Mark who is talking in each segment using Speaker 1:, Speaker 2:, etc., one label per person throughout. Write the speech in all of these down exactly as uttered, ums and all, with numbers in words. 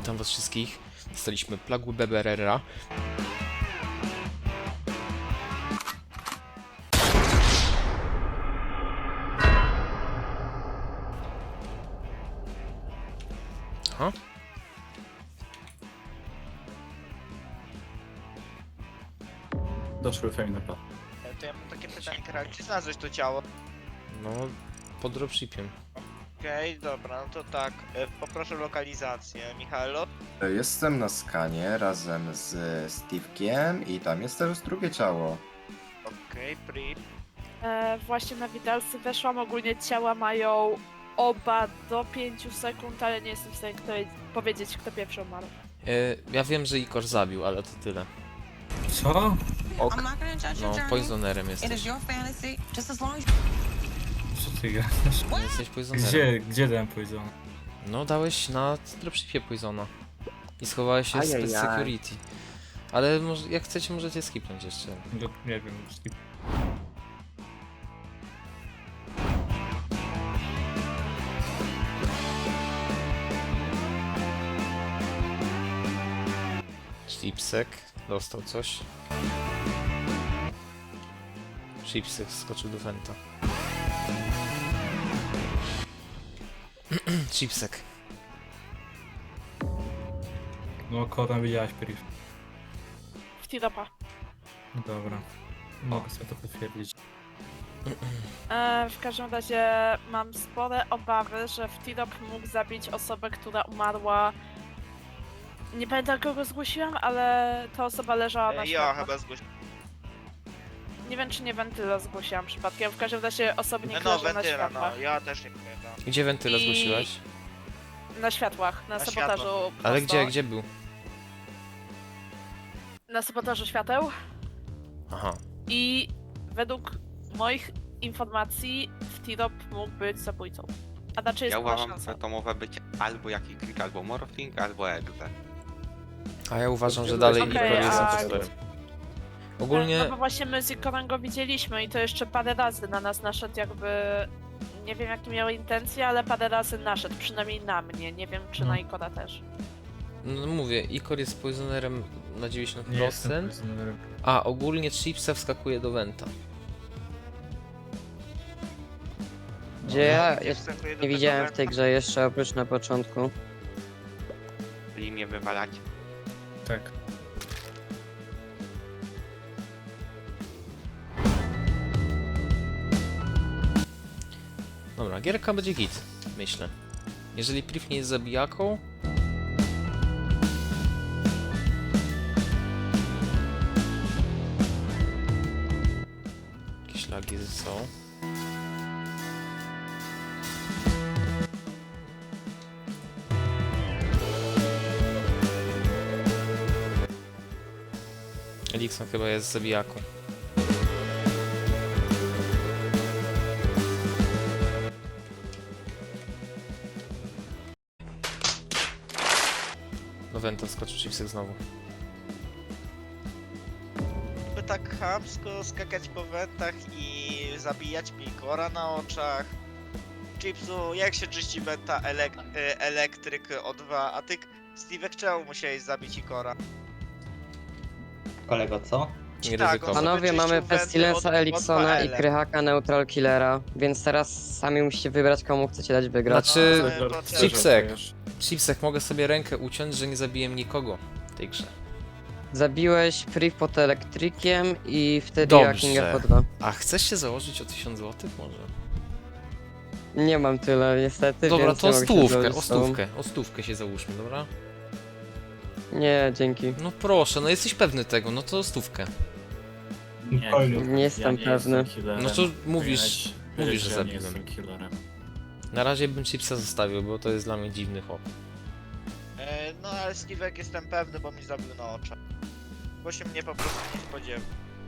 Speaker 1: witam was wszystkich. Dostaliśmy Plague Beberera. Aha.
Speaker 2: Doszły fajne pa.
Speaker 3: To ja mam takie pytanie, Kral, gdzie znalazłeś to ciało?
Speaker 1: No, pod dropshipiem.
Speaker 3: Okej, dobra, no to tak, e, poproszę lokalizację, Michaelo.
Speaker 4: Jestem na skanie razem z Steve'kiem i tam jest też drugie ciało.
Speaker 3: Okej, pri.
Speaker 5: E, właśnie na widelcy weszłam, ogólnie ciała mają oba do pięciu sekund, ale nie jestem w stanie kto, powiedzieć, kto pierwszy umarł.
Speaker 1: E, ja wiem, że Ikor zabił, ale to tyle.
Speaker 2: Co?
Speaker 1: Ok.
Speaker 6: I'm not gonna judge
Speaker 1: No,
Speaker 6: your journey.
Speaker 1: poisonerem
Speaker 6: It is
Speaker 1: jesteś.
Speaker 6: your fantasy, just as long as
Speaker 2: Co ty gadasz?
Speaker 1: No, jesteś poisonerem.
Speaker 2: Gdzie, gdzie dałem poison?
Speaker 1: No, dałeś na dropshipie poisona. I schowałeś się z
Speaker 4: Ajajaj.
Speaker 1: security. Ale może, jak chcecie, możecie skipnąć jeszcze.
Speaker 2: No, nie wiem, skip.
Speaker 1: Chipsek dostał coś. Chipsek skoczył do Venta. Chipsek.
Speaker 2: No, kogo tam widziałaś, Priv?
Speaker 5: W Tiropa.
Speaker 2: No dobra. Mogę sobie to potwierdzić.
Speaker 5: E, w każdym razie mam spore obawy, że w Tirop mógł zabić osobę, która umarła. Nie pamiętam kogo zgłosiłam, ale ta osoba leżała na
Speaker 3: E, ja
Speaker 5: światłach.
Speaker 3: chyba zgłosiłem.
Speaker 5: Nie wiem, czy nie Wentyla zgłosiłam przypadkiem. W każdym razie osobnik
Speaker 3: No,
Speaker 5: leży na
Speaker 3: wentyla,
Speaker 5: światłach.
Speaker 3: no, ja też nie pamiętam.
Speaker 1: Gdzie wentyla
Speaker 5: I-
Speaker 1: zgłosiłaś?
Speaker 5: Na światłach, na,
Speaker 3: Na
Speaker 5: sabotażu.
Speaker 1: Ale
Speaker 5: prosto.
Speaker 1: gdzie, gdzie był?
Speaker 5: Na sabotażu świateł.
Speaker 1: Aha.
Speaker 5: I według moich informacji w Tirop mógł być zabójcą. A raczej jest
Speaker 7: Ja
Speaker 5: mała
Speaker 7: uważam,
Speaker 5: szansa.
Speaker 7: że to może być albo jakiś klik, albo morphing, albo exe.
Speaker 1: A ja uważam, że dalej
Speaker 5: Okej,
Speaker 1: Ikor jest
Speaker 5: a-
Speaker 1: impostorem.
Speaker 5: No
Speaker 1: Ogólnie
Speaker 5: bo właśnie my z Ikorem go widzieliśmy i to jeszcze parę razy na nas naszedł jakby... Nie wiem jakie miały intencje, ale parę razy naszedł, przynajmniej na mnie. Nie wiem czy
Speaker 2: No.
Speaker 5: na Ikora też.
Speaker 1: no mówię, Ikor jest poisonerem na dziewięćdziesiąt
Speaker 2: Nie jestem
Speaker 1: procent.
Speaker 2: poisonerem.
Speaker 1: A ogólnie Chipsa wskakuje do Venta.
Speaker 8: Gdzie ja
Speaker 3: Gdzie
Speaker 8: jest,
Speaker 3: wskakuje do
Speaker 8: nie
Speaker 3: tego
Speaker 8: widziałem w
Speaker 3: węta?
Speaker 8: tej grze jeszcze oprócz na początku.
Speaker 7: Czyli mnie wywalać.
Speaker 2: Tak.
Speaker 1: Dobra, gierka będzie git, myślę. Jeżeli Priv nie jest zabijaką... Jakieś lagi są. Elikson chyba jest zabijaką. Do Venta skoczył Chipsek znowu.
Speaker 3: By tak chamsko skakać po wentach i zabijać Pikora na oczach. Chipsu, jak się czyści wenta elek e, elektryk O dwa, a ty, Steve'ek, czemu musiałeś zabić Ikora?
Speaker 9: Kolego, co?
Speaker 1: Nie
Speaker 3: Tak,
Speaker 1: ryzykował.
Speaker 3: on-
Speaker 8: Panowie,
Speaker 3: wyczyścił
Speaker 8: mamy
Speaker 3: wenty
Speaker 8: Pestilensa,
Speaker 3: od- od
Speaker 8: Eliksona i
Speaker 3: dwa L.
Speaker 8: Krychaka Neutral Killera, więc teraz sami musicie wybrać, komu chcecie dać wygrać.
Speaker 1: Znaczy,
Speaker 3: No, to też.
Speaker 1: Chipsek. Chipsek, mogę sobie rękę uciąć, że nie zabiłem nikogo w tej grze.
Speaker 8: Zabiłeś Priv pod elektrykiem i wtedy
Speaker 1: Dobrze.
Speaker 8: ja Kinga po dwa.
Speaker 1: A chcesz się założyć o tysiąc złotych może?
Speaker 8: Nie mam tyle niestety,
Speaker 1: Dobra,
Speaker 8: więc
Speaker 1: to
Speaker 8: nie mogę się
Speaker 1: stówkę,
Speaker 8: zgodzić
Speaker 1: o
Speaker 8: z tobą.
Speaker 1: stówkę, o stówkę się załóżmy, dobra?
Speaker 8: Nie, dzięki.
Speaker 1: No proszę, no jesteś pewny tego, no to stówkę.
Speaker 2: Nie,
Speaker 8: Nie jestem pewny.
Speaker 1: No to mówisz,
Speaker 2: Widać,
Speaker 1: mówisz, że
Speaker 2: ja nie
Speaker 1: zabiłem.
Speaker 2: jestem killerem.
Speaker 1: Na razie bym Chipsa zostawił, bo to jest dla mnie dziwny chłop.
Speaker 3: E, no ale Steve'ek jestem pewny, bo mi zabił na oczach. Bo się mnie po prostu nie spodziewał.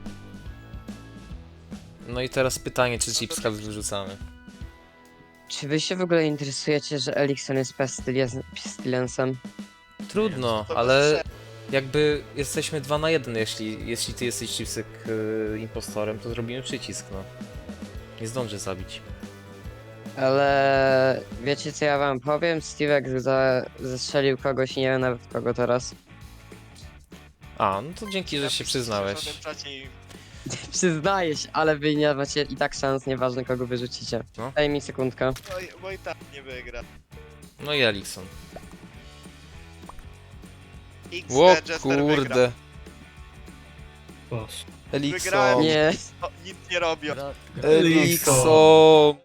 Speaker 1: No i teraz pytanie, czy
Speaker 3: No to
Speaker 1: Chipska
Speaker 3: Chips-
Speaker 1: wyrzucamy.
Speaker 8: Czy wy się w ogóle interesujecie, że Elikson jest Pestilens- Pestilensem?
Speaker 1: Trudno,
Speaker 3: To
Speaker 1: ale
Speaker 3: bez
Speaker 1: jakby jesteśmy dwa na jeden, jeśli, jeśli ty jesteś Chipsek yy, impostorem, to zrobimy przycisk, no. Nie zdążę zabić.
Speaker 8: Ale wiecie co ja wam powiem? Steve'ek za... zestrzelił kogoś i nie wiem nawet kogo teraz.
Speaker 1: A, no to dzięki, że się
Speaker 3: Napisz
Speaker 1: przyznałeś.
Speaker 3: w czacie i
Speaker 8: Przyznaję się, ale wy nie macie i tak szans, nieważne kogo wyrzucicie.
Speaker 1: No.
Speaker 8: Daj mi sekundkę.
Speaker 3: Oj, bo i tak nie wygra.
Speaker 1: No i Elikson.
Speaker 3: X
Speaker 1: Ło
Speaker 3: Jester wygra.
Speaker 1: kurde.
Speaker 2: Boże.
Speaker 3: Wygrałem.
Speaker 1: Elikson.
Speaker 8: Nie.
Speaker 3: O, nic nie robią.
Speaker 1: Elikson.